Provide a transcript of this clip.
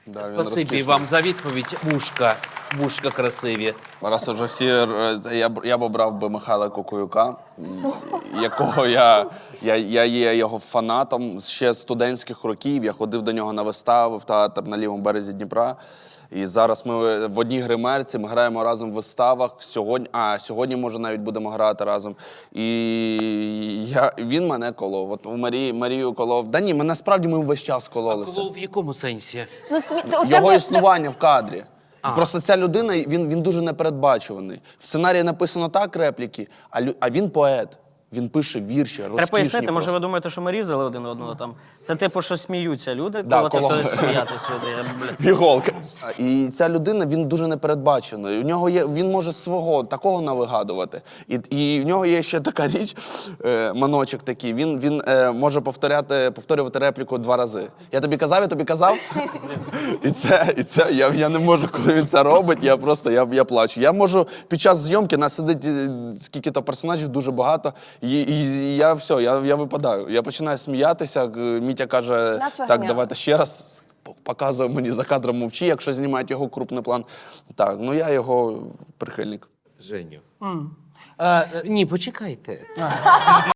Да, він Спасибі розкішний. вам за відповідь. Вушка красиві. Раз уже всі, я б обрав би Михайла Кукуюка, якого я є його фанатом ще з студентських років. Я ходив до нього на вистави в театр на лівому березі Дніпра. І зараз ми в одній гримерці, ми граємо разом в виставах. Сьогодні, може, навіть будемо грати разом. І він мене колов. От у Марію колов. Да ні, насправді ми весь час кололися. Коло в якому сенсі? Його існування в кадрі. Просто ця людина, він дуже непередбачуваний. В сценарії написано так репліки, а він поет. Він пише вірші, розкішні. Треба пояснити, може просто. ви думаєте, що ми різали один одного там. Це типу, що сміються люди, Да, коли сміятись люди. Іголка. І ця людина, він дуже непередбачений. У нього є, він може свого такого навигадувати. І в нього є ще така річ, маночок такий, він може повторювати репліку 2 рази. Я тобі казав? І це я не можу, коли він це робить, я плачу. Я можу під час зйомки, нас сидить скільки-то персонажів, дуже багато, і я випадаю. Я починаю сміятися, Мітя каже, так, давайте ще раз. Показує мені за кадром мовчи, якщо знімають його крупний план. Так, я його прихильник. Женю. Ні, почекайте.